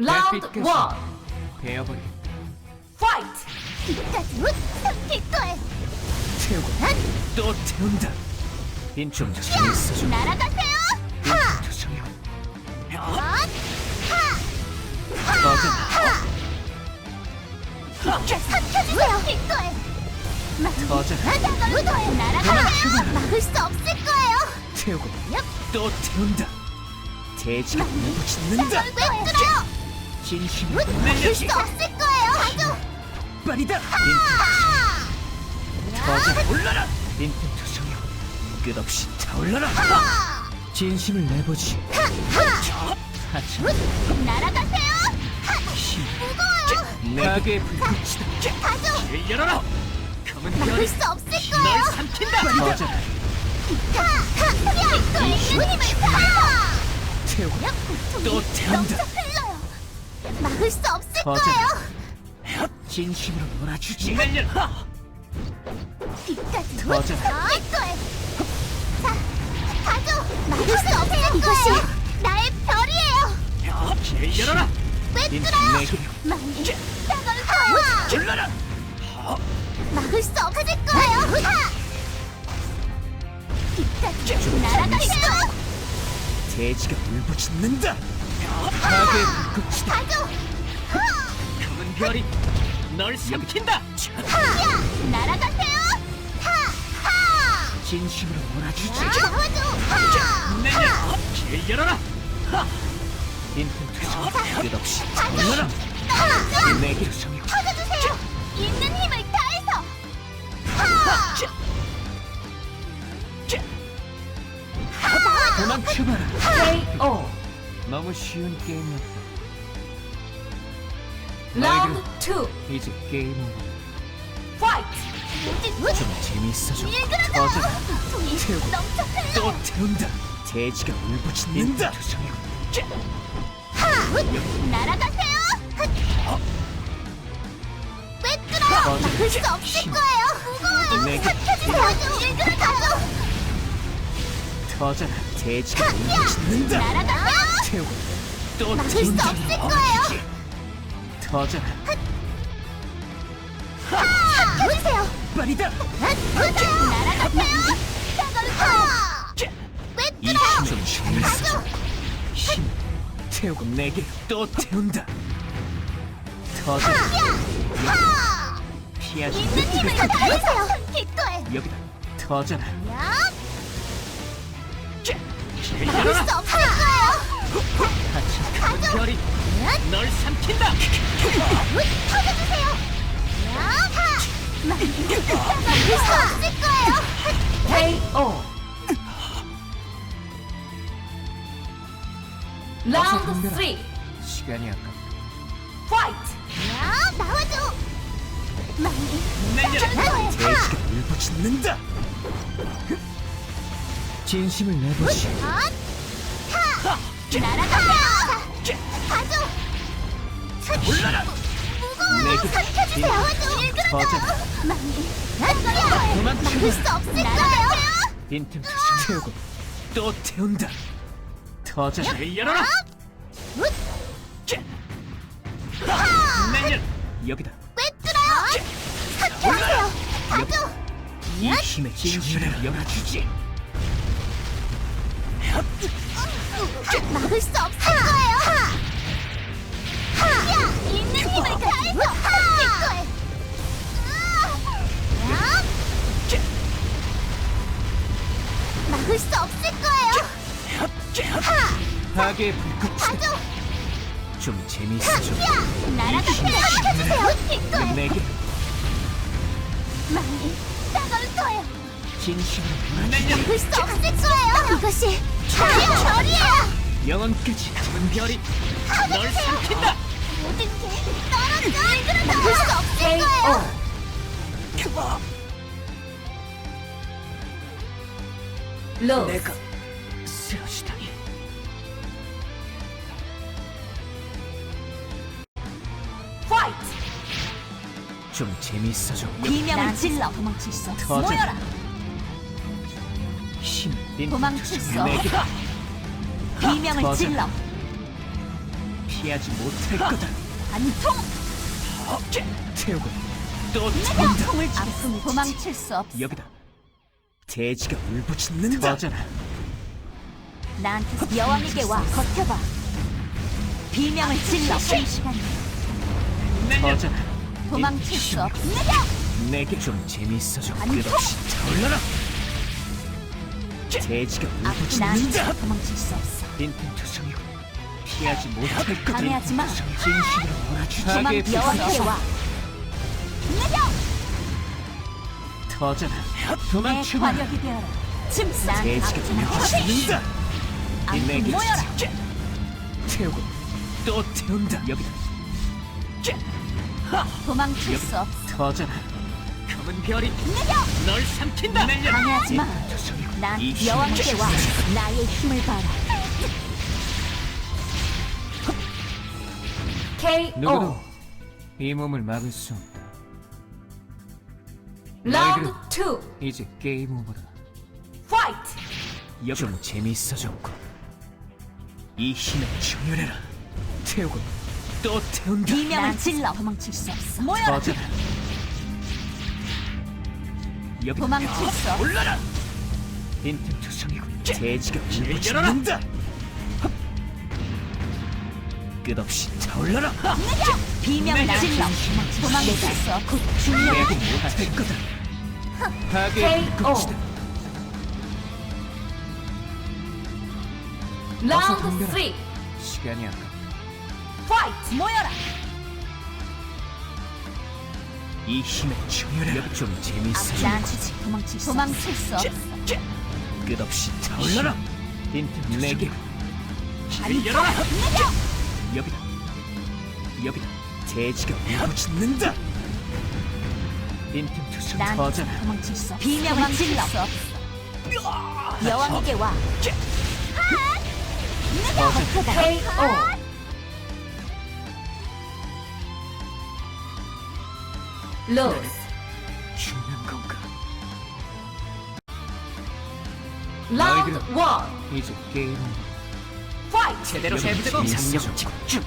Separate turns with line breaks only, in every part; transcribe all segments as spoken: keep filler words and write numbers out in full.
라운드
햇빛
원
베어버리
파이트!
이까지 기꺼이
태우고 또 태운다. 빈좀 재밌어져.
날아가세요.
빈좀 성형
하!
꺼져.
삼켜주세요. 기꺼이
꺼져.
날아가세요. 막을 수 없을 거예요.
태우고
얍.
또 태운다. 돼지가 울고 짖는다.
왜 끌어요?
진심을
막을 수
내려지.
없을 거예요. 가죠.
빨리다. 빈틈
하!
꺼져. 올라라. 빈틈 투성형 끝없이 타올라라. 진심을 내보지. 하찮은
날아가세요.
힘.
무거워요.
가게의 불꽃이다.
가죠.
길 열어라. 검은
막을
별이
수 없을
널
거예요.
삼킨다. 꺼져.
기꺼이 힘을 다.
태우고 또 태운다.
흘러요. 막을 수 없을
꺼져.
거예요.
진심으로 놀아주지. 날려라.
뒤까지
꺼져.
기꺼이. 자, 가죠. 막을 수 없을 거예요. 이것이 나의 별이에요.
길 열어라.
왜
빈틈
뚫어요?
내게
많이 따가울 거예요.
질러라.
막을 수 없을 거예요. 뒤까지 날아가세요.
돼지가 울부짖는다. 가게의 불꽃이다.
가죠.
검은 별이 널 삼킨다.
날아가세요. 하!
진심으로 놀아주지.
나와줘.
내려. 길 열어라. 빈틈 투성 끝없이 열어라. 내게 성형.
터져주세요. 있는 힘을 다해서. 하!
도망쳐봐라.
케이오
너무 쉬운 게임이었다.
라운드 투
이제 게임 오버.
파이트!
좀 재밌어져.
일그러져.
꺼져라.
돈이
태우고
넘쳐 흘러.
또 태운다. 돼지가 울부짖는다. 투성형.
날아가세요. 왜 끌어요?
꺼져.
막을 수 없을
힘.
거예요. 무거워요.
내게
삼켜주세요. 일그러져.
터져라. 돼지가 울부짖는다.
날아가세요.
태우고 또
막을 수
태운다.
없을 거예요.
터져라.
삼켜주세요.
빨리다.
날아가세요. 왜
이
끌어요?
힘을 재밌어져. 힘 태우고 내게 또 태운다. 터져라.
하!
피하지.
있는 힘을 다해서요. 기꺼이.
여기다. 터져라.
야!
길
막을
열어라.
수 없을 거예요.
하찮은 검은 별이 널 삼킨다.
터져주세요. 야! 하! 막을 수 없을 거예요.
케이오 라운드 쓰리
시간이 아깝다.
파이트!
야! 나와줘. 많이
내려라.
하!
돼지가 울부짖는다. 진심을 내보지.
하! 하! 날아가세요. 가죠.
올라라.
무거워요.
내게
삼켜주세요. 나와줘. 일그러져.
터져라.
많이 하!
도망쳐.
막을 수 없을 거예요.
빈틈 투성 태우고 또 태운다. 터져라. 길 열어라. 내려. 여기다.
왜 뚫어요? 삼켜주세요. 가죠.
이 힘의 진심을 열어주지.
막을 수 없을 거예요. 하! 하! 있는 힘을 다해서 기꺼이. 야! 막을 수 없을 거예요. 하!
가게의 불꽃이다.
가죠.
좀 재밌어져.
야! 날아가세요. 삼켜주세요. 기꺼이.
내게
많이 따가울 거예요.
진심으로 내려.
막을 수 없을 거예요. 이것이 나의 별이에요.
영원까지 검은 별이 널 삼킨다.
모든 게 떨어져. 막을 수 없을 거예요.
케이오 로스
내가 쓰러지다니.
파이트!
좀 재밌어져.
비명을 질러 도망칠 수 없어
터져.
모여라
힘 빈틈
도망칠 수
투성 내게.
비명을
터져.
질러
피하지 못할 거다.
반통!
태우고 또 태운다.
통을 아픔을 도망칠 수 없어.
여기다. 돼지가 울부짖는다. 터져라.
나한테 여왕에게 와 버텨봐. 비명을 질러. 쉴 시간.
터져라.
도망칠 수 없어.
내게 좀 재밌어져.
아니,
끝없이 타올라라. 돼지가
아프 나한테
울부짖는다.
도망칠 수 없어.
빈틈투성이고 피하지 못할 거다.
방해하지 마.
진심으로 몰아주지.
도망
악의
여왕에게
불꽃.
와.
터져라.
내
도망쳐봐.
관역이 되어라. 침상
돼지가 울부짖는다.
아픔
내게
모여라.
태우고 또 태운다. 여기다.
도망칠 수 없어.
터져라. 검은 별이 널 삼킨다.
방해하지 마.
빈틈투성이고
난
이 힘을
여왕에게 와.
주지.
나의 힘을 봐라.
누구도 이 몸을 막을 수 없다.
라운드
너희들은
투.
이제 게임 오버다.
파이트.
여기 좀 재미있어졌고 이 힘에 충혈해라. 태우고 또 태운다.
비명을 질러. 도망칠 수 없어. 모여라.
터져라. 여기
도망칠 수 없어.
올라라. 빈틈투성이고 돼지가 울부짖는다. 끝없이 타올라라.
비명을 질러. 도망칠 수 없어. 곧 중력.
내고 못할 거다. 파괴의
케이오.
불꽃이다.
라운드
덤벼라.
쓰리.
시간이 아까
파이트. 모여라.
이 힘에 충혈해. 여기 좀 재밌어.
나한테 도망칠 수 도망칠 수 없어.
끝없이 타올라라. 빈틈 내게
아니,
열어라. 여기다. 여기다. 돼지가 울부짖는다. 빈틈 투성
나한테
터져라.
도망칠 수 없어. 비명을 질러. 여왕에게 와.
터져라.
케이오. 로스.
죽는 건가?
라운드
너희들은
원.
이제 게임은
파이트.
제대로 해보자고. 장력 집중.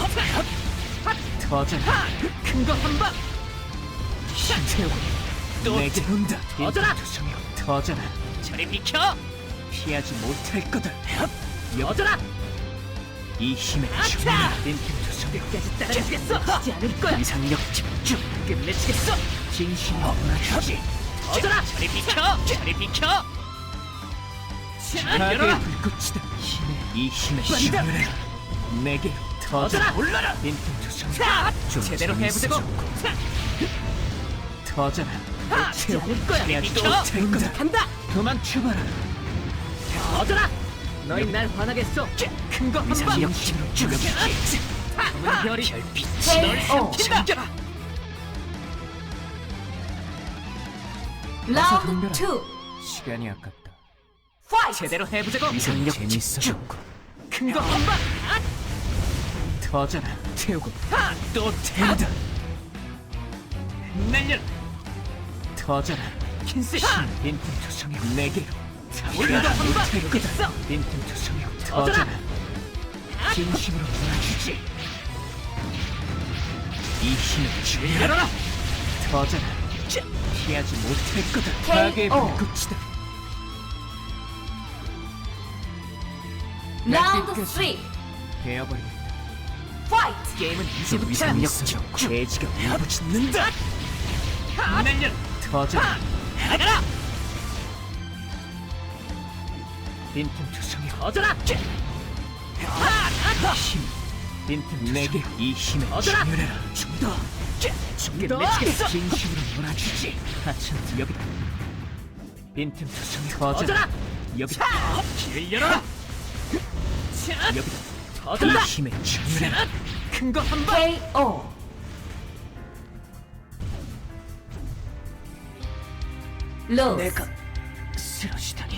터져라. 큰 거 한 방. 힘 태우고 또 태운다. 터져라. 터져라. 저리 비켜. 피하지 못할 거다. 터져라. 이 힘에 충분한 빈틈투성 끝까지 따라가겠어. 지지 않을 거야. 이상력 집중. 끝내주겠어. 진심으로 몰아주지. 터져라. 저리 비켜. 저리 비켜. 파괴의 불꽃이다. 힘에 이 힘에 충분해라. 내게 터져라. 올라라. 빈틈투성 좀 제대로 해보자고. 터져라. 채울 거야. 비켜. 태운다. 간다. 도망쳐봐라. 터져라. 너희 날 화나겠어. 큰 거 한 방. 힘으로 죽여주지. 검은 별이 별빛이 널 삼킨다.
라운드 투.
시간이 아깝다.
파이트.
제대로 해보자고. 이상력 재밌어졌고 큰 거 한 방. 터져라. 태우고 또 태운다. 날려라. 터져라. 킨스 빈틈투성이 내게로 올라가 한방 되겠어. 빈틈투성이 터져라. 진심으로 몰아주지. 이 힘을 주여라. 터져라. 피하지 못할 거다. 파괴의 불꽃이다.
라운드 쓰리.
베어버리겠다.
파이트.
게임은 이제부터 재밌어졌고 돼지가 울부짖는다. 날려라. 터져라. 나가라. 빈틈투성이 터져라. 힘. 빈틈 내게 이 힘에 충혈해라. 좀더 끝내주겠어. 진심으로 몰아주지. 하찮다. 여기다. 빈틈투성이 터져라. 여기다. 길을 열어라. 여기다. 터져라. 이 힘에 충혈해라. 큰 거 한 방.
케이오. 로스.
내가 쓰러지다니.